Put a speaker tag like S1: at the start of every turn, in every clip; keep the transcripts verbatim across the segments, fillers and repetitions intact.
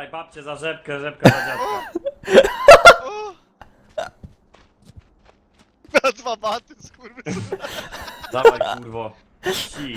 S1: Dawaj, babcie za rzepkę, rzepka za dziadka.
S2: O! Na dwa baty, skurwysyn.
S1: Dawaj, kurwo. Ci.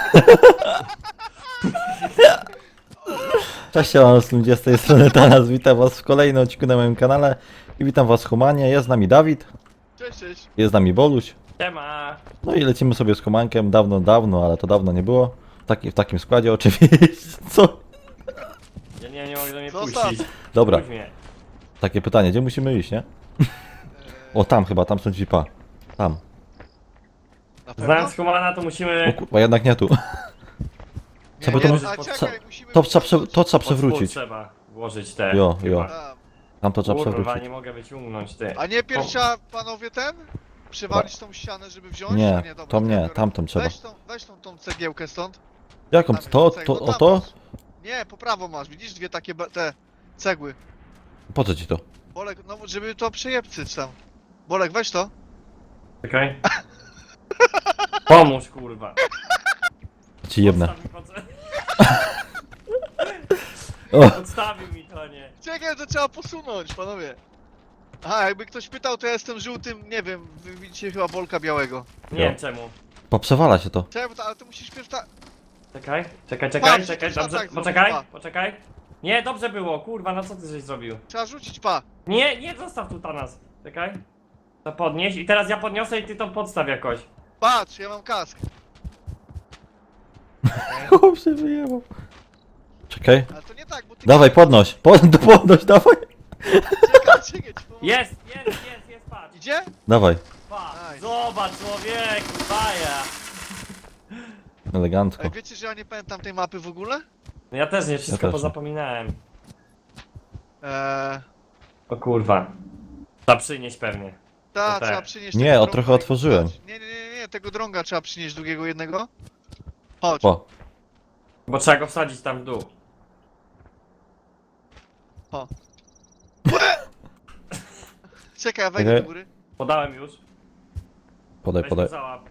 S3: Cześć, ja ludzie, z tej strony Tanas, witam was w kolejnym odcinku na moim kanale i witam was humanie, jest z nami Dawid,
S2: Cześć, cześć.
S3: jest z nami Boluś,
S1: Siema.
S3: no i lecimy sobie z humankiem, dawno, dawno, ale to dawno nie było, w, taki, w takim składzie oczywiście, co?
S1: Ja nie, nie mogę do mnie
S2: Zostaw.
S1: puścić.
S3: Dobra,
S1: Puść mnie.
S3: takie pytanie, gdzie musimy iść, nie? O, tam chyba, tam są drzwi, pa, tam,
S2: Na pewno?
S1: Znając Humana to
S3: o
S1: musimy...
S3: kurwa, jednak nie tu,
S2: Nie,
S3: trzeba
S2: nie,
S3: to-
S2: a
S1: co-
S2: czekaj, musimy...
S3: to trzeba, prze, to trzeba
S1: pod spód
S3: przewrócić,
S1: trzeba włożyć te...
S3: Jo,
S1: chyba.
S3: jo.
S2: Tam.
S3: tam to trzeba
S1: Kurwa,
S3: przewrócić,
S1: nie mogę wyciągnąć, ty.
S2: A nie pierw trzeba, panowie, ten? Przywalić tą ścianę, żeby wziąć?
S3: nie,
S2: A nie dobra,
S3: to
S2: ja
S3: nie,
S2: biorę.
S3: tamtą trzeba,
S2: Weź tą, weź tą, tą cegiełkę stąd.
S3: jaką,
S2: Tam jest
S3: to,
S2: cegła.
S3: to,
S2: No
S3: o
S2: tam
S3: to?
S2: masz. Nie, po prawo masz, widzisz dwie takie be- te cegły.
S3: Po co ci to?
S2: Bolek, no żeby to przejebcyć tam. Bolek, weź to.
S1: Czekaj. Pomóż, kurwa.
S3: Ci jebnę,
S1: Podstaw mi pod-
S3: o,
S1: Podstawił mi to, nie.
S2: Czekaj, to trzeba posunąć, panowie. Aha, jakby ktoś pytał, to ja jestem żółtym, nie wiem, wy widzicie chyba Bolka białego.
S1: Nie
S3: Jo.
S1: wiem czemu.
S3: poprzewala się to,
S2: Czekaj, bo to- ale to musisz pierw ta...
S1: Czekaj, czekaj, czekaj,
S2: Patrz,
S1: czekaj,
S2: to trzeba
S1: dobrze,
S2: tak zrobić,
S1: poczekaj,
S2: pa.
S1: poczekaj. Nie, dobrze było, kurwa, no co ty żeś zrobił?
S2: Trzeba rzucić, pa.
S1: Nie, nie, zostaw tu Tanas. Czekaj. To podnieś i teraz ja podniosę i ty to podstaw jakoś.
S2: Patrz, ja mam kask.
S3: chłop się wyjebał, czekaj,
S2: Ale to nie tak, bo ty...
S3: dawaj, podnoś, pod, podnoś, dawaj,
S2: Czekaj, czekaj, ci pomogę.
S1: Jest, jest, jest, jest, patrz.
S2: Idzie?
S3: dawaj,
S1: Patrz,
S2: Nice.
S1: zobacz człowieku, baja.
S3: elegancko.
S2: Ej, wiecie, że ja nie pamiętam tej mapy w ogóle?
S1: No ja też nie, wszystko
S3: też nie.
S1: pozapominałem.
S2: Eee...
S1: O kurwa. Trzeba przynieść pewnie.
S2: Ta,
S1: No tak.
S2: trzeba przynieść
S3: Nie,
S2: tego
S3: o,
S2: drąga
S3: trochę
S2: i-
S3: otworzyłem.
S2: Nie, nie, nie, nie, tego drąga trzeba przynieść drugiego jednego. Chodź.
S3: O,
S1: Bo trzeba go wsadzić tam w dół.
S2: Czekaj, ja wejdę
S3: Czekaj.
S2: do góry.
S1: Podałem już.
S3: podaj,
S1: Weź
S3: podaj,
S1: go załap.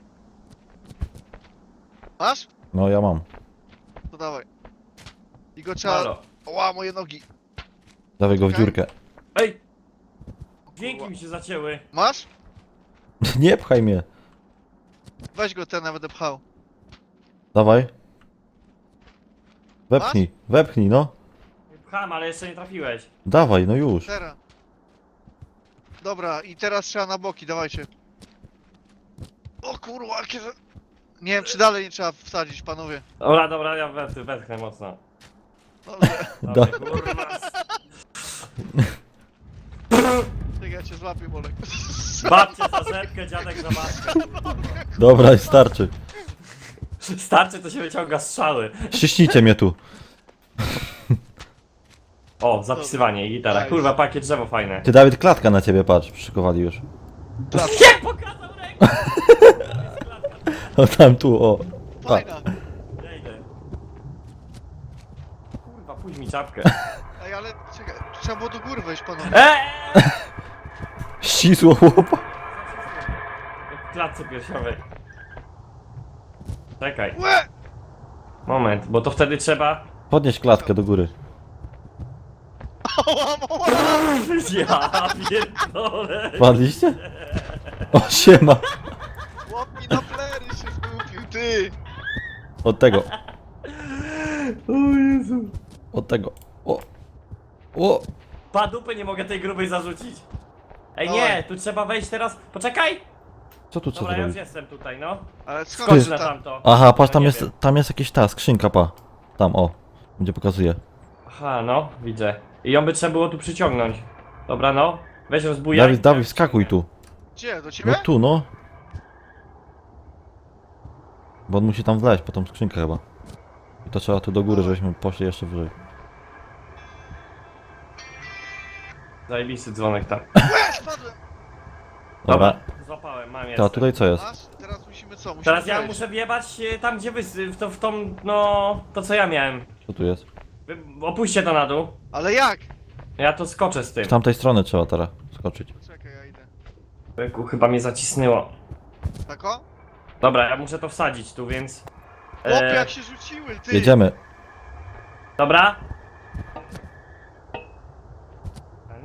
S2: Masz?
S3: no ja mam,
S2: To dawaj. I go trzeba...
S1: Halo.
S2: Ła, moje nogi.
S3: dawaj go w
S2: Czekaj.
S3: dziurkę,
S1: Ej! Dźwięki mi się zacięły.
S2: Masz?
S3: nie pchaj mnie,
S2: Weź go, ten nawet pchał.
S3: dawaj, wepchnij, wepchnij, no,
S1: Pcham, ale jeszcze nie trafiłeś.
S3: dawaj, no już,
S2: Teraz. Dobra, i teraz trzeba na boki, dawajcie. O kurwa, jakie... za- Nie wiem, czy dalej nie trzeba wsadzić, panowie.
S1: Dobra, dobra, ja wetchnę, wetchnę mocno.
S2: Dobrze.
S1: Dobra,
S3: Da.
S1: kurwa.
S2: Czekaj, ja cię złapię, Bolek.
S1: Babcie za rzepkę, dziadek za babkę.
S3: dobra, starczy,
S1: Starczy to się wyciąga strzały.
S3: ściśnijcie mnie tu,
S1: O, zapisywanie i gitara.
S2: Nice.
S1: Kurwa, pakiet drzewo fajne.
S3: ty Dawid, klatka na ciebie, patrz, przyszykowali już,
S1: Nie pokazał rękę!
S3: o tam tu, o, a,
S2: Fajna.
S1: Ja idę. Kurwa, pójdź mi czapkę.
S2: Ej, ale czekaj, trzeba było do góry wejść, panowie.
S1: Eee!
S3: ścisło chłopa,
S1: Jak w klatce piersiowej. Czekaj,
S2: Łe!
S1: moment, bo to wtedy trzeba...
S3: podnieś klatkę do góry,
S2: Ała, ała!
S1: Ja pierdolę.
S3: padliście? O, siema,
S2: Chłop mi na plery się zgubił, ty!
S3: od tego,
S1: O Jezu.
S3: od tego, o, o,
S1: Pa dupy nie mogę tej grubej zarzucić. Ej
S2: Dawaj.
S1: nie, tu trzeba wejść teraz... Poczekaj!
S3: co tu trzeba
S1: Dobra, ja już
S3: zrobić?
S1: jestem tutaj, no.
S2: Ale skąd
S1: Skocz
S2: że
S1: na
S2: tam?
S1: tamto.
S3: Aha, patrz,
S1: No
S3: tam
S1: nie
S3: jest,
S1: wiem.
S3: tam jest jakieś ta skrzynka, pa. Tam, o. Gdzie pokazuje.
S1: Aha, no, widzę. I ją by trzeba było tu przyciągnąć. Dobra, no. Weź rozbujaj.
S3: Dawid, Dawid, skakuj tu.
S2: Gdzie, do ciebie?
S3: No tu, no. Bo on musi tam wleźć po tą skrzynkę chyba. I to trzeba tu do góry, żebyśmy poszli jeszcze wyżej.
S1: Zajebisty dzwonek tam.
S2: Łe, spadłem!
S3: Dobra.
S1: Złapałem, mam
S3: To, a
S1: jeszcze.
S3: tutaj co jest?
S2: Masz? Teraz musimy co? Musimy
S1: Teraz ja
S2: wejść.
S1: muszę wjebać e, tam, gdzie wy... w, to, w tą, no... To co ja miałem.
S3: Co tu jest?
S1: Wy, opuśćcie to na dół.
S2: Ale jak?
S1: Ja to skoczę z tym.
S3: Z tamtej strony trzeba teraz skoczyć.
S2: Czekaj, ja idę.
S1: Byku, chyba mnie zacisnęło.
S2: Tak o?
S1: Dobra, ja muszę to wsadzić tu, więc...
S2: Chłopie,
S1: E,
S2: jak się rzuciły, ty!
S3: Jedziemy.
S1: dobra.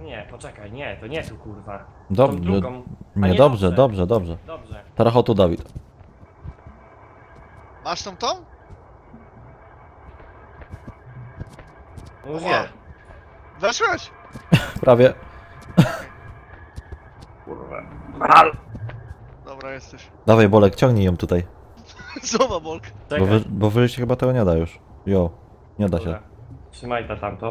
S1: Nie, poczekaj, nie, to nie tu kurwa. Tą
S3: Dobrze,
S1: drugą. A
S3: nie,
S1: nie,
S3: dobrze,
S1: dobrze.
S3: dobrze, dobrze.
S1: Dobrze.
S3: Teraz chodź tu, Dawid.
S2: Masz tą tą?
S1: No już
S2: Ła.
S1: nie.
S2: Weszłeś?
S3: Prawie.
S1: Kurwa. Al.
S2: Dobra, jesteś.
S3: Dawaj, Bolek, ciągnij ją tutaj.
S2: Zobacz, Bolk.
S1: Czekaj.
S3: Bo, wy, bo wyżej się chyba tego nie da już. Jo, nie da się.
S1: Dobra. Trzymaj ta tamto.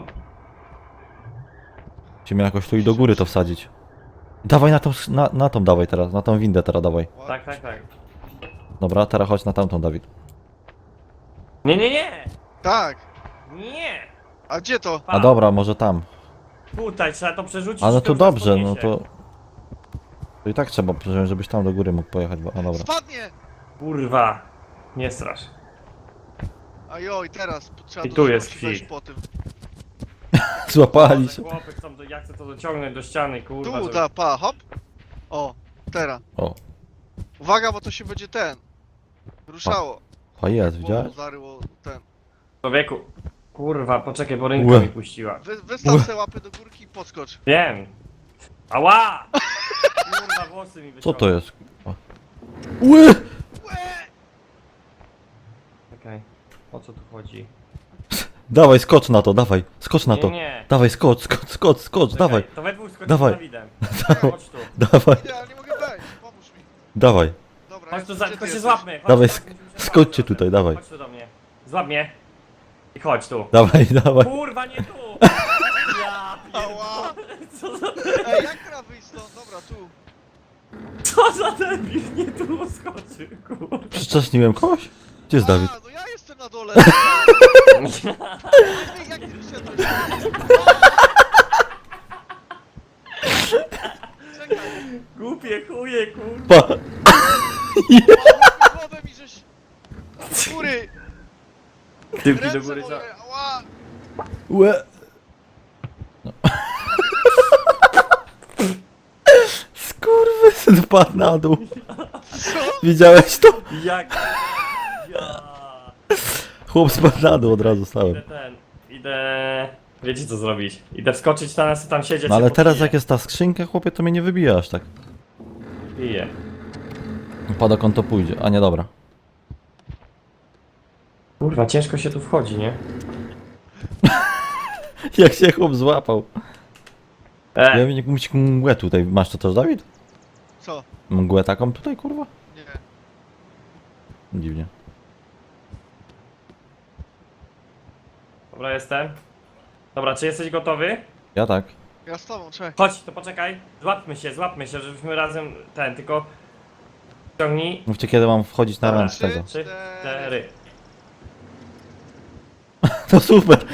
S3: Musimy jakoś tu i do góry to wsadzić. Dawaj na tą, na, na tą dawaj teraz, na tą windę teraz dawaj.
S1: Tak, tak, tak.
S3: Dobra, teraz chodź na tamtą, Dawid.
S1: Nie, nie, nie!
S2: Tak.
S1: Nie!
S2: A gdzie to?
S3: A dobra, może tam.
S1: Tutaj trzeba to przerzucić.
S3: A no
S1: i
S3: to
S1: już nas
S3: dobrze, no
S1: podniesie.
S3: to... To i tak trzeba, żebyś tam do góry mógł pojechać, bo... A dobra.
S2: Spadnie!
S1: Kurwa. Nie strasz.
S2: A joj, teraz trzeba
S1: I
S2: do
S1: tu jest
S2: szybkości wejść
S1: kwit.
S2: po tym.
S3: Złapali
S1: Boże,
S3: się.
S1: chłopy chcą, do- ja chcę to dociągnąć do ściany, kurwa.
S2: Tu,
S1: żeby-
S2: da, pa, hop. O, teraz.
S3: O,
S2: Uwaga, bo to się będzie ten. Ruszało.
S3: o jest,
S2: Bo
S3: widziałeś?
S2: zaryło ten.
S1: Człowieku. Kurwa, poczekaj, bo ręka
S3: Łe.
S1: mi puściła.
S2: Wy, wystaw se łapy do górki i podskocz.
S1: Wiem. Ała! Kurwa, włosy mi
S3: Co
S1: wyciągnął.
S3: to jest? Ły!
S1: Okej. O co tu chodzi?
S3: Dawaj, skocz na to, dawaj, skocz na
S1: Nie,
S3: to.
S1: nie.
S3: Dawaj, skocz, skocz, skocz, skocz,
S1: Czekaj,
S3: dawaj,
S1: To we dwóch skoczymy
S3: Dawaj.
S1: z Dawidem.
S3: dawaj,
S1: Chodź tu.
S3: dawaj,
S2: Idę, ale nie mogę wejść. Pomóż mi.
S3: dawaj.
S2: Dobra,
S1: Chodź
S2: jest-
S1: tu, za,
S2: gdzie ty
S1: tylko się
S2: jesteś?
S1: złapmy. Chodź,
S3: Dawaj,
S1: chodź,
S3: sk-
S1: musimy się
S3: skoczcie
S1: złapać
S3: tutaj,
S1: razem.
S3: dawaj.
S1: Chodź tu do mnie. Złap mnie. I chodź tu.
S3: Dawaj, dawaj.
S1: Kurwa, nie tu! Ja
S2: Ała.
S1: pierdolę. Co za,
S2: Ej, jak trzeba wyjść stąd? Dobra, tu.
S1: co za debil, nie tu skoczy, kurwa.
S3: Przycześniłem kogoś? Gdzie jest Dawid?
S2: A, no ja jestem na dole. Ej, jak ty wyszedłeś? Czekaj,
S1: Głupie chuje, kurwa.
S3: Pa!
S2: łapy głowę mi żeś... Do góry!
S1: Tyłki do
S2: Ręce
S1: góry, co?
S2: moje, ała!
S3: Łe! No. Skurwysyn wpadł na dół.
S2: Co?
S3: Widziałeś to?
S1: Jak? Ja.
S3: Chłop spadł na dół, od razu stałem.
S1: Idę ten, idę... Wiecie co zrobić? Idę wskoczyć tam, nas tam siedzieć.
S3: No ale
S1: się
S3: teraz
S1: popiję.
S3: jak jest ta skrzynka, chłopie, to mnie nie wybija aż tak.
S1: Piję.
S3: Pa dokąd to pójdzie, a nie dobra.
S1: Kurwa, ciężko się tu wchodzi, nie?
S3: Jak się chłop złapał.
S1: E,
S3: Ja bym mieć mgłę tutaj. Masz to też, Dawid?
S2: Co?
S3: Mgłę taką tutaj, kurwa?
S2: Nie.
S3: Dziwnie.
S1: dobra, jestem. Dobra, czy jesteś gotowy?
S3: Ja tak.
S2: Ja z tobą, czekaj.
S1: Chodź, to poczekaj. Złapmy się, złapmy się, żebyśmy razem ten, tylko... Ciągnij.
S3: Mówcie kiedy mam wchodzić na
S1: Dobra.
S3: ręcz tego.
S1: Trzy, cztery.
S3: To super!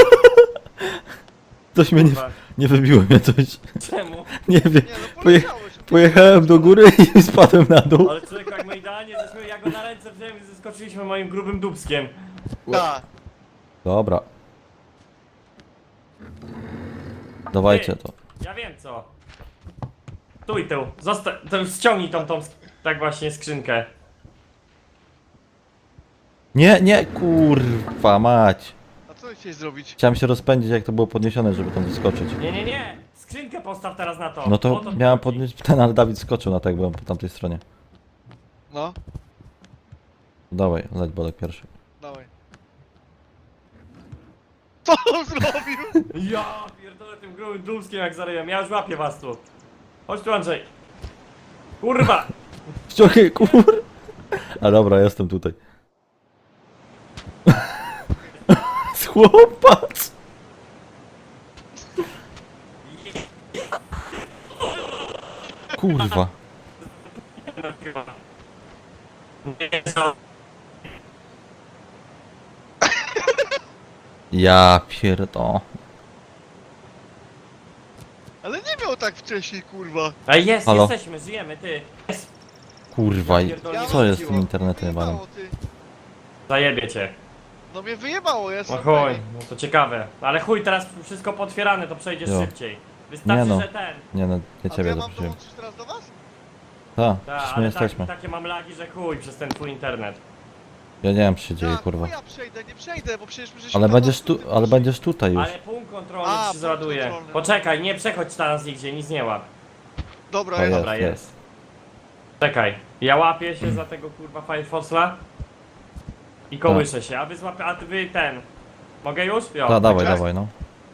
S3: Coś mnie nie,
S1: Kurwa,
S3: nie wybiło mnie coś.
S1: czemu?
S3: Nie wiem.
S2: Nie, no
S3: Poje,
S2: poleciałeś.
S3: pojechałem do góry i spadłem na dół.
S1: Ale człowiek, jak my idealnie żeśmy, ja go na ręce wziąłem i zeskoczyliśmy moim grubym dubskiem.
S2: Tak.
S3: Dobra. Dawajcie to.
S1: Ja wiem co. Tu i tu. Zosta to ściągnij tą, tą, sk- tak właśnie skrzynkę.
S3: Nie, nie, kurwa mać.
S2: A co chciałeś zrobić?
S3: Chciałem się rozpędzić jak to było podniesione, żeby tam wyskoczyć.
S1: Nie, nie, nie. Skrzynkę postaw teraz na to.
S3: No
S1: O
S3: to
S1: to
S3: miałem
S1: chodzi.
S3: podnieść ten, ale Dawid skoczył na to, jak byłem po tamtej stronie.
S2: No,
S3: Dawaj, leć Bolek pierwszy.
S2: dawaj. Co on zrobił?
S1: Ja pierdolę tym grubym dubskiem jak zaryłem. Ja już łapię was tu. Chodź tu Andrzej. Kurwa.
S3: Ściągaj, kur... A dobra, jestem tutaj. Chłopac! Kurwa. Ja pierdo.
S2: Ale nie miał tak wcześniej, kurwa.
S1: A jest,
S3: Halo?
S1: jesteśmy, żyjemy, ty. Jest.
S3: Kurwa,
S1: Ja pierdolę,
S3: co jest z
S1: wróciło.
S3: tym internetem jebanym?
S2: Wyjebało, ty.
S1: Zajebie cię.
S2: No mnie wyjebało, ja
S1: No
S2: jestem
S1: chuj,
S2: ready.
S1: no to ciekawe. Ale chuj, teraz wszystko potwierane, to przejdziesz
S3: Jo.
S1: szybciej. Wystarczy,
S3: Nie no.
S1: że ten.
S3: Nie no, nie
S2: A to
S3: ciebie
S2: ja mam
S3: zaprosiłem.
S2: dołączyć teraz do was?
S3: Tak,
S1: Ta,
S3: przecież my
S1: ale tak,
S3: jesteśmy.
S1: takie mam lagi, że chuj przez ten twój internet.
S3: Ja nie wiem co się dzieje,
S2: Jak?
S3: kurwa.
S2: No ja przejdę, nie przejdę, bo przecież my żeśmy
S3: Ale
S2: tam
S3: będziesz
S2: na tym
S3: tu, ale
S2: poszli.
S3: będziesz tutaj już.
S1: Ale punkt kontrolny
S2: A,
S1: ci się
S2: punkt
S1: załaduje.
S2: kontrolny, no.
S1: Poczekaj, nie przechodź teraz nigdzie, nic nie łap.
S2: Dobra,
S3: O,
S2: ja
S3: jest.
S1: Dobra, jest. Czekaj, ja łapię się za tego kurwa Firefoxla i kołyszę się, a wy złapie, a ty wy ten. Mogę już? Jo.
S3: Da, dawaj,
S2: tak?
S3: dawaj, no.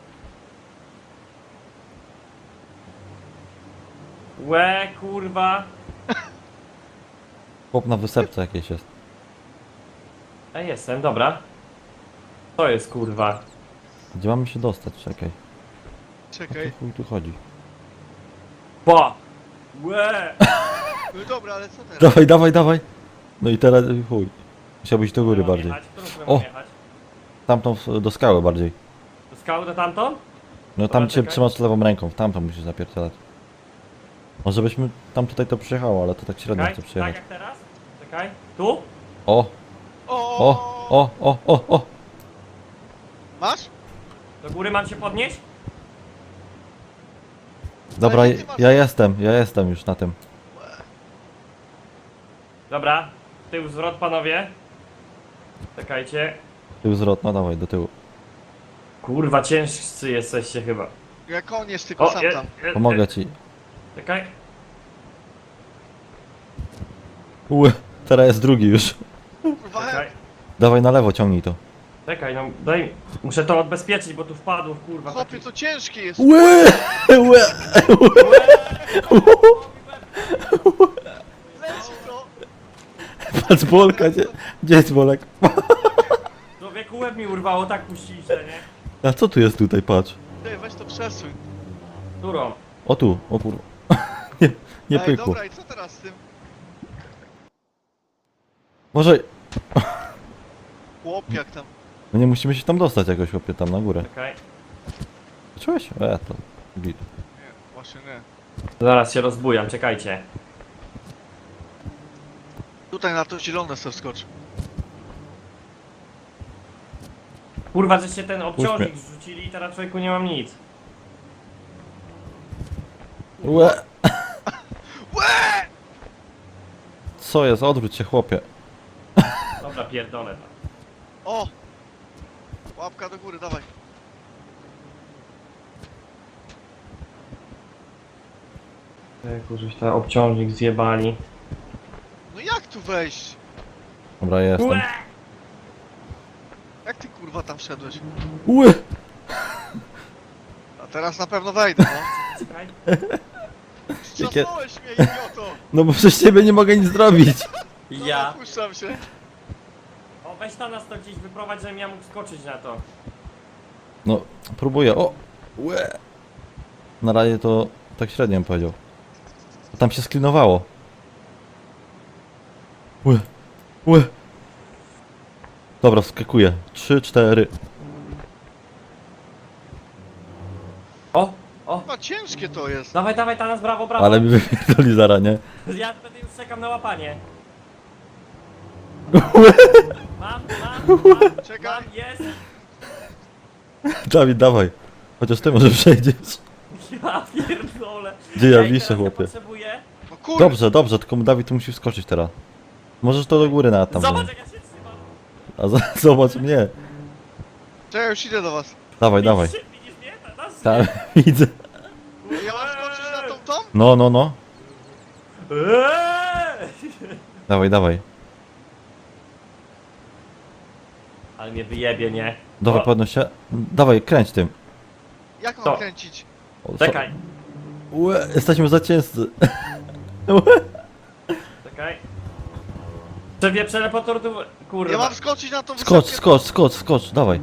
S1: Łe, kurwa.
S3: Chłop na wysepce jakieś jest.
S1: A jestem, dobra. To jest kurwa.
S3: Gdzie mamy się dostać? Czekaj. O
S2: Czekaj.
S3: chuj tu chodzi.
S1: Po! Łe!
S2: No dobra, ale co teraz?
S3: Dawaj, dawaj, dawaj. No i teraz chuj. Musiałbyś do góry
S1: Mam
S3: bardziej.
S1: jechać? Którą stronę
S3: O!
S1: mam jechać?
S3: Tamtą w- do skały bardziej.
S1: Do skały do tamtą?
S3: No
S1: Dobra,
S3: tam cię
S1: czekaj.
S3: trzymasz lewą ręką, w tamtą musisz zapierdzielać. Może byśmy tam tutaj to przyjechało, ale to tak średnio
S1: Czekaj,
S3: chce
S1: tak
S3: przyjechać.
S1: jak teraz? Czekaj, tu?
S3: O,
S2: O,
S3: o, o, o, o, o.
S2: Masz?
S1: Do góry mam się podnieść?
S3: Dobra,
S2: Ale ty masz-
S3: ja jestem, ja jestem już na tym.
S1: Dobra, tył zwrot panowie. Czekajcie.
S3: Tył zwrot, no dawaj, do tyłu.
S1: Kurwa, ciężcy jesteście chyba.
S2: Ja koniec, tylko
S1: O,
S2: sam
S1: je,
S2: tam.
S1: je,
S3: Pomogę ci.
S1: Czekaj.
S3: Ue, teraz jest drugi już.
S2: Kurwa,
S1: Czekaj.
S3: Dawaj na lewo, ciągnij to.
S1: Czekaj, no daj. Muszę to odbezpieczyć, bo tu wpadło, kurwa.
S2: chłopie,
S1: taki-
S2: to ciężkie jest.
S3: Łe, łe.
S2: Leci to.
S3: Patrz Bolka, gdzie, gdzie jest Bolek?
S1: Człowieku, łeb mi urwało, tak puściliście, nie?
S3: A co tu jest tutaj, patrz.
S2: Ty, weź to przesuń.
S1: Którą?
S3: O tu, o kurwa. Nie, nie
S2: Ej,
S3: pykło.
S2: dobra, i co teraz z tym?
S3: Może,
S2: Chłop, jak tam?
S3: no nie musimy się tam dostać jakoś, chłopie, tam na górę.
S1: Czekaj.
S3: Czułeś? E, to git.
S2: Nie, właśnie nie.
S1: Zaraz się rozbujam, czekajcie.
S2: Tutaj na to zielone se wskocz.
S1: Kurwa, żeście ten obciążnik
S3: Puść
S1: zrzucili i teraz człowieku nie mam nic.
S3: Łe.
S2: Łe!
S3: Co jest? Odwróć się, chłopie.
S1: Dobra, pierdolę to.
S2: O! Łapka do góry, dawaj.
S1: Człowieku, żeś ten obciążnik zjebali.
S2: No jak tu wejść?
S3: Dobra, jestem.
S1: Łe!
S2: Jak ty kurwa tam wszedłeś?
S3: Łe.
S2: A teraz na pewno wejdę, no.
S1: Czekaj.
S2: Strzasnąłeś mnie, idioto!
S3: No bo przez ciebie nie mogę nic zrobić.
S2: No,
S1: Ja.
S2: Puszczam się.
S1: O, weź tam nas to gdzieś wyprowadź, żebym ja mógł skoczyć na to.
S3: No, próbuję. O! Łe. Na razie to tak średnio bym powiedział. Bo tam się sklinowało. Łe. Łe. Dobra, wskakuję. Trzy, cztery.
S1: O, o.
S2: Chyba ciężkie to jest.
S1: Dawaj, dawaj, ta nas, brawo, brawo.
S3: Ale mi wypierdoli zara, nie?
S1: Ja będę już czekam na łapanie.
S3: Łe.
S1: Mam, mam, mam,
S2: Czekaj.
S1: mam, jest.
S3: Dawid, dawaj. Chociaż ty może przejdziesz.
S1: Ja pierdolę.
S3: Gdzie ja
S1: Ej,
S3: wiszę,
S1: teraz
S3: chłopie?
S1: potrzebuję.
S2: No kurwa.
S3: Dobrze, dobrze, tylko Dawid tu musi wskoczyć teraz. Możesz to do góry na tam.
S1: Zobacz, jak ja się trzymam.
S3: A za, zobacz mnie.
S2: Czekaj, już idę do was.
S3: Dawaj, dawaj.
S1: Widzisz, widzisz mnie? Ta- nas-
S3: Tam, widzę.
S2: Ja mam skoczyć na tą tą?
S3: No, no, no.
S1: Eee!
S3: Dawaj, dawaj.
S1: Ale mnie wyjebie, nie?
S3: Dawaj,
S1: O,
S3: podnoś się. Dawaj, kręć tym.
S2: Jak mam
S1: To.
S2: kręcić?
S3: O, co-
S1: Czekaj,
S3: Łe, jesteśmy za ciężcy. Łe.
S1: czekaj. Przewie przelepotor tu... Kurwa.
S2: Ja mam skoczyć na tą
S3: Skocz,
S2: wysepkę?
S3: skocz, skocz, skocz, dawaj.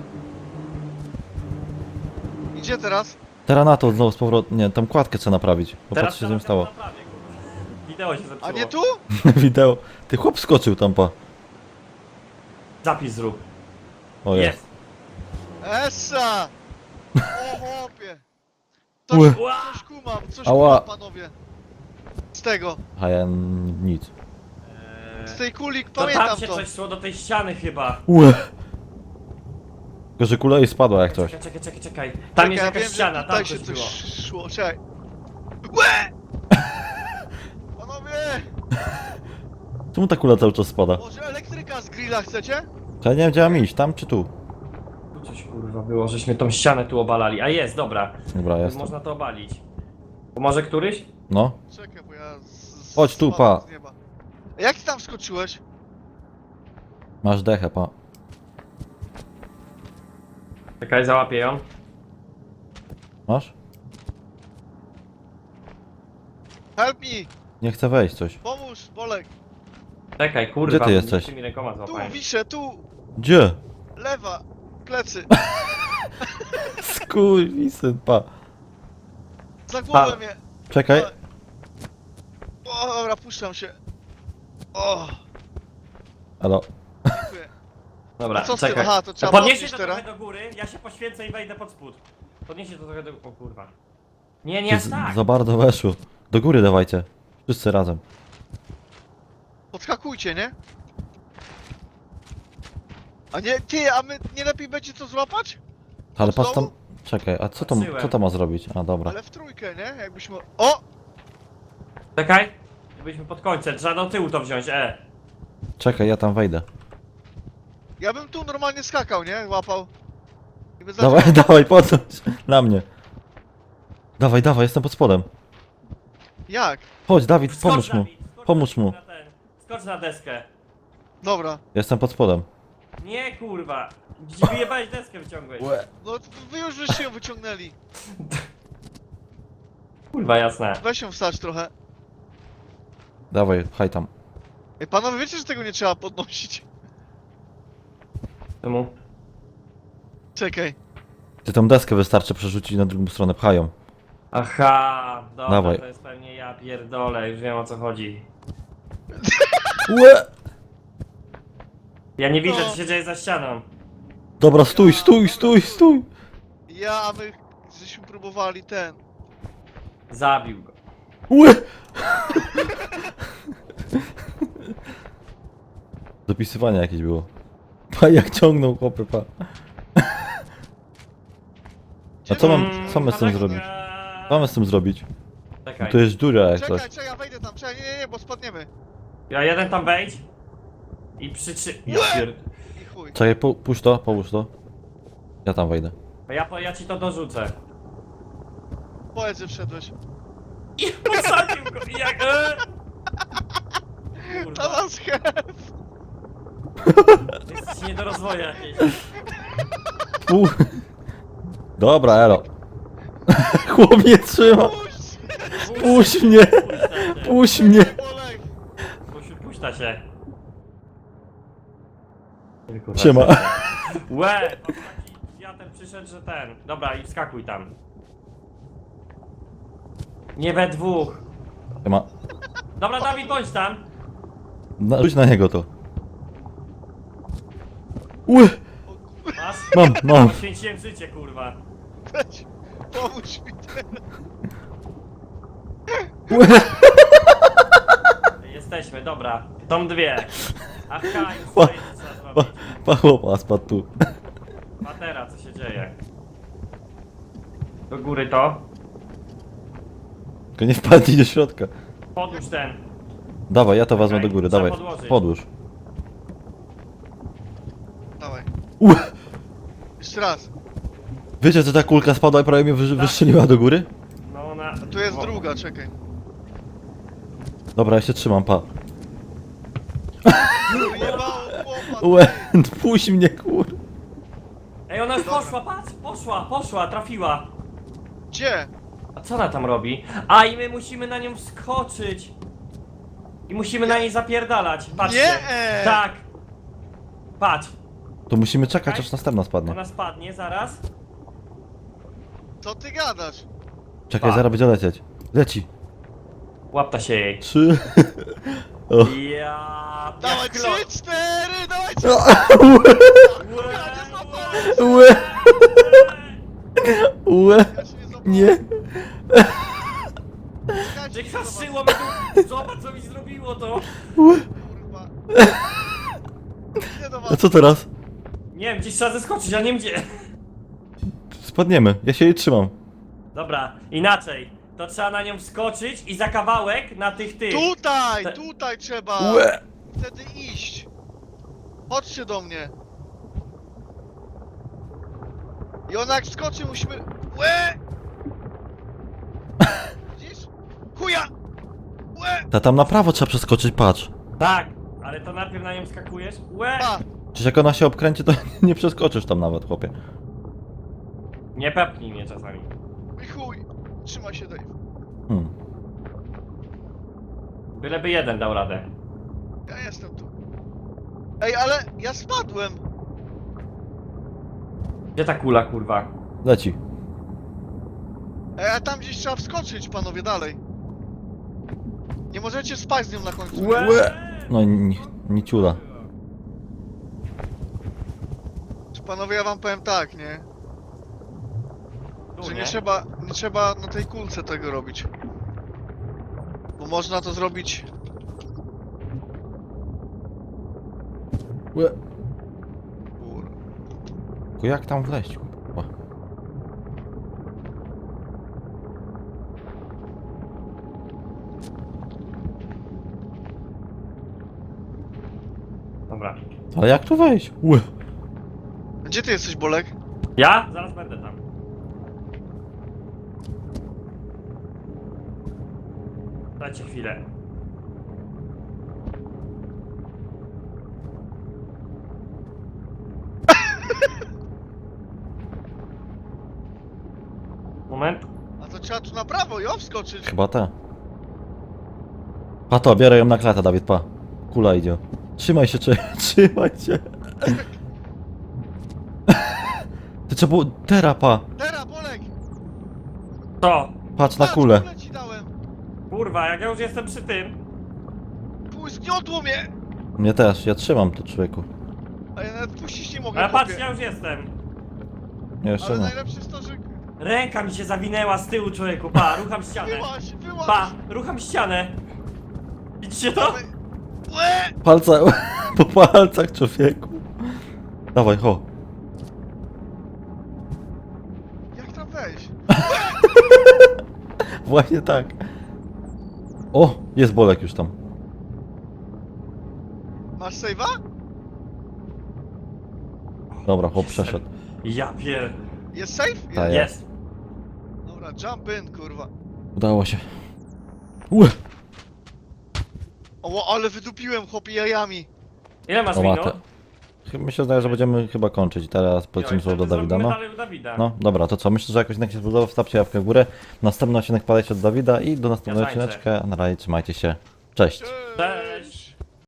S2: Idzie teraz?
S3: Teraz na to znowu z powrotem. Nie, tam kładkę trzeba naprawić. Bo
S1: Teraz
S3: patrz, co się z tym
S1: to
S3: stało.
S1: naprawię, kurwa. Wideo się zepsuło.
S2: A nie tu?
S3: Wideo. Ty chłop skoczył tam, pa.
S1: Zapis zrób.
S3: O jest.
S1: Jest.
S2: Essa! O chłopie!
S3: Łe.
S2: Coś, coś kumam, coś
S3: Ała.
S2: kumam, panowie. Z tego,
S3: A ja n- nic.
S2: z tej kuli,
S1: To tam
S2: pamiętam
S1: się
S2: to.
S1: coś szło do tej ściany chyba.
S3: Łe. Tylko, że kula jej spadła jak coś.
S1: Czekaj, czekaj, czekaj, czekaj. Tam
S2: Czekaj,
S1: jest
S2: ja
S1: jakaś
S2: wiem, że
S1: ściana, tam
S2: tutaj
S1: coś
S2: się
S1: było.
S2: coś szło, czekaj. Łe! Panowie!
S3: Czemu ta kula cały czas spada?
S2: Może elektryka teraz grilla chcecie?
S3: To ja nie wiem, gdzie mam iść, tam czy tu?
S1: Tu coś kurwa było, żeśmy tą ścianę tu obalali. A jest, dobra.
S3: Dobra, jestem.
S1: Można to obalić. Pomoże któryś?
S3: No.
S2: Czekaj, bo ja... Z,
S3: Chodź tu,
S2: spadam
S3: pa.
S2: z nieba. A jak ty tam wskoczyłeś?
S3: Masz dechę, pa.
S1: Czekaj, załapię ją.
S3: Masz?
S2: Help me!
S3: Nie chcę wejść coś.
S2: Pomóż, Bolek!
S1: Czekaj, kurwa.
S3: Gdzie ty
S1: bo
S3: jesteś?
S1: tymi rękoma
S2: Tu,
S1: złapałem.
S2: wiszę, tu!
S3: Gdzie?
S2: Lewa! Plecy!
S3: Skurwisyn, pa.
S2: Za głowę
S1: Pa.
S2: mnie!
S3: Czekaj.
S2: O, dobra, puszczam się. O,
S3: Alo.
S2: dziękuję.
S1: Dobra,
S2: A co z tym?
S1: czekaj.
S2: Aha, to trzeba
S1: Podniesie
S2: podnieść
S1: to
S2: teraz?
S1: trochę do góry, ja się poświęcę i wejdę pod spód. Podniesie to trochę do... O kurwa. Nie, nie
S3: To
S1: aż
S3: z-
S1: tak.
S3: Za bardzo weszło. Do góry dawajcie. Wszyscy razem.
S2: Podskakujcie, nie? A nie, ty, a my nie lepiej będzie to złapać?
S3: Ale patrz tam...
S2: Znowu?
S3: Czekaj, a co to,
S1: Patrzyłem.
S3: co to ma zrobić? A dobra.
S2: Ale w trójkę, nie? Jakbyśmy... O!
S1: Czekaj. Byliśmy pod końcem, trzeba do tyłu to wziąć, e.
S3: Czekaj, ja tam wejdę.
S2: Ja bym tu normalnie skakał, nie? Łapał. I by
S3: Dawaj,
S2: zaczął-
S3: dawaj, podnoś. Na mnie. Dawaj, dawaj, jestem pod spodem.
S2: Jak?
S3: Chodź, Dawid,
S1: Skocz,
S3: pomóż mu.
S1: Dawid, skocz
S3: Pomóż
S1: na-
S3: mu.
S1: na ten. Skocz na deskę.
S2: Dobra.
S3: Jestem pod spodem.
S1: Nie kurwa. Gdzie wyjebałeś deskę wyciągłeś?
S2: No wy już żeście ją wyciągnęli.
S1: Kurwa jasne.
S2: Weź ją wstać trochę.
S3: Dawaj, pchaj tam.
S2: Ej, panowie, wiecie, że tego nie trzeba podnosić?
S1: Czemu?
S2: Czekaj.
S3: Ty tą deskę wystarczy przerzucić na drugą stronę, pchają.
S1: Aha, dobra,
S3: Dawaj.
S1: to jest pewnie ja pierdolę, już wiem o co chodzi.
S3: Łe!
S1: Ja nie widzę,
S2: No.
S1: co się dzieje za ścianą.
S3: Dobra, stój, stój, stój, stój!
S2: Ja, a my żeśmy próbowali ten.
S1: Zabił go.
S3: Łe! Dopisywanie jakieś było. Pa, jak ciągnął chłopy, pa. A co mam, co mamy z tym zrobić? Co mamy z tym zrobić? No
S1: Czekaj.
S3: to jest dziura jak coś.
S2: Czekaj, czekaj, wejdę tam, czekaj, nie, nie, nie, bo spadniemy.
S1: Ja jeden tam wejdź. I przytrzy... Ja pierd...
S2: I chuj.
S3: Czekaj, pu puść to, połóż to. Ja tam wejdę.
S1: Ja, po- ja ci to dorzucę.
S2: Powiedz, że wszedłeś.
S1: I posadził go i jak... E? Kurwa,
S2: To nas chef.
S1: to jest nie do rozwoju jakieś.
S3: Pu Dobra, elo. Chłop mnie trzyma.
S2: Puść!
S3: Puść mnie! Puść mnie!
S2: Bolek!
S1: Puść, puśta się. Kurwa,
S3: Siema.
S1: Łe! Pan taki wiatr przyszedł, że ten. Dobra, i wskakuj tam. Nie we dwóch.
S3: Siema.
S1: Dobra, Dawid, bądź tam.
S3: Na, rzuć na niego to. Ue!
S1: Masz?
S3: Mam, mam.
S1: Poświęciłem życie, kurwa.
S2: Weź, pomóż mi teraz.
S3: Ue!
S1: Jesteśmy, dobra. Tą dwie. Aha, już
S3: Pa-
S1: swoje co trzeba
S3: Pa,
S1: zrobić.
S3: pa chłopa, spadł tu.
S1: Patera, co się dzieje? Do góry to.
S3: Tylko nie wpadnij do środka.
S1: Podłóż ten.
S3: Dawaj, ja to wezmę
S1: Czekaj,
S3: do góry,
S1: trzeba
S3: dawaj.
S1: podłożyć.
S3: Podłóż.
S2: Dawaj.
S3: Ue!
S2: Jeszcze raz.
S3: Wiecie, że ta kulka spadła i prawie mnie wy wystrzeliła do góry?
S1: No ona...
S2: A tu jest
S1: o,
S2: druga, czekaj.
S3: Dobra, ja się trzymam, pa.
S2: Wyjebało chłopa.
S3: Ue, puść mnie, kur...
S1: Ej, ona już
S2: Dobra.
S1: poszła, patrz! Poszła, poszła, trafiła.
S2: Gdzie?
S1: A co ona tam robi? A i my musimy na nią wskoczyć. I musimy na niej zapierdalać. Patrzcie.
S2: Nie!
S1: Tak. Patrz.
S3: To musimy czekać, aż następna spadnie.
S1: Ona spadnie zaraz.
S2: Co ty gadasz?
S3: Czekaj,
S1: Pa.
S3: zaraz będzie lecieć. Leci.
S1: Łapta się jej.
S3: Trzy... O.
S1: Ja...
S2: Dawaj,
S1: jak lo-
S2: trzy, cztery, dawaj, trzy.
S1: Łe,
S3: Ue! Ue!
S2: Ja się nie złapałem.
S3: Nie!
S2: Czekajcie,
S1: Wykraszyło mi tu. Zobacz co mi zrobiło to.
S2: kurwa. Nie do
S3: A
S2: was.
S3: co teraz?
S1: Nie wiem, gdzieś trzeba zeskoczyć, a nie wiem gdzie.
S3: Spadniemy, ja się jej trzymam.
S1: Dobra, inaczej. To trzeba na nią wskoczyć i za kawałek na tych tych.
S2: Tutaj,
S1: Te-
S2: tutaj trzeba.
S3: Ue!
S2: Wtedy iść. Chodźcie do mnie. I ona jak skoczy, musimy... Łe! Widzisz? Chuja! Łe!
S3: Ta tam na prawo trzeba przeskoczyć, patrz.
S1: Tak, ale to najpierw na nią skakujesz. Łe!
S2: Pa!
S3: Przecież jak ona się obkręci, to nie przeskoczysz tam nawet, chłopie.
S1: Nie pepnij mnie czasami.
S2: I chuj! Trzymaj się, Dave.
S3: Hmm.
S1: Byleby jeden dał radę.
S2: Ja jestem tu. Ej, ale ja spadłem!
S1: Gdzie ta kula, kurwa?
S3: Leci.
S2: Ej, a tam gdzieś trzeba wskoczyć, panowie, dalej. Nie możecie spać z nią na końcu.
S1: Łe!
S3: No ni, ni ciula.
S2: Czy panowie, ja wam powiem tak, nie?
S1: Tu,
S2: Że nie
S1: nie?
S2: trzeba, nie trzeba na tej kulce tego robić. Bo można to zrobić...
S3: Łe.
S2: Kur...
S3: Tylko jak tam wleźć? kurwa?
S1: Dobra.
S3: Ale jak tu wejść? Łe.
S2: Gdzie ty jesteś, Bolek?
S1: Ja? Zaraz będę tam. Dajcie chwilę. Moment.
S2: A to trzeba tu na prawo, jo, wskoczyć.
S3: Chyba te. Pa to, bierę ją na klatę, Dawid, pa. Kula idzie. Trzymaj się, czy... trzymaj się. Ty trzeba było... Tera, pa.
S2: Teraz, Bolek!
S1: To!
S3: Patrz na
S2: Patrz,
S3: kulę.
S2: kulę ci dałem!
S1: Kurwa, jak ja już jestem przy tym.
S2: Pół zgniotło mnie!
S3: Mnie też, ja trzymam to, człowieku.
S2: A ja nawet puścić nie mogę,
S1: Ale patrz,
S2: chłopie.
S1: ja już jestem.
S3: Nie, jeszcze
S2: Ale
S3: nie.
S2: najlepsze jest to, że...
S1: Ręka mi się zawinęła z tyłu, człowieku. Pa, rucham ścianę.
S2: Wyłaź, wyłaź!
S1: Pa, rucham ścianę. Widzicie to?
S2: Dawaj. Łe!
S3: Palce, po palcach, człowieku. Dawaj, ho.
S2: Jak tam wejść?
S3: Właśnie tak. O, jest Bolek już tam.
S2: Masz save'a?
S3: Dobra, chłop przeszedł.
S1: Ja pier...
S2: Jest save?
S3: Tak.
S1: Jest.
S2: Dobra, jump in, kurwa.
S3: Udało się. Łe.
S2: O, ale wydupiłem, chłopie, jajami.
S1: Ile masz
S3: O,
S1: minut?
S3: matę. Chyba mi się zdaje, że będziemy chyba kończyć. Teraz polecimy
S1: Jo, i
S3: słowo do
S1: wtedy
S3: Dawida,
S1: zrobimy
S3: no.
S1: dalej u Dawida.
S3: No, dobra, to co? Myślę, że jakoś odcinek się spodobał. Wstawcie łapkę w górę. Następny odcinek padajcie od Dawida i do następnego
S1: Ja tańczę.
S3: odcineczka. Na razie, trzymajcie się. Cześć.
S1: Cześć.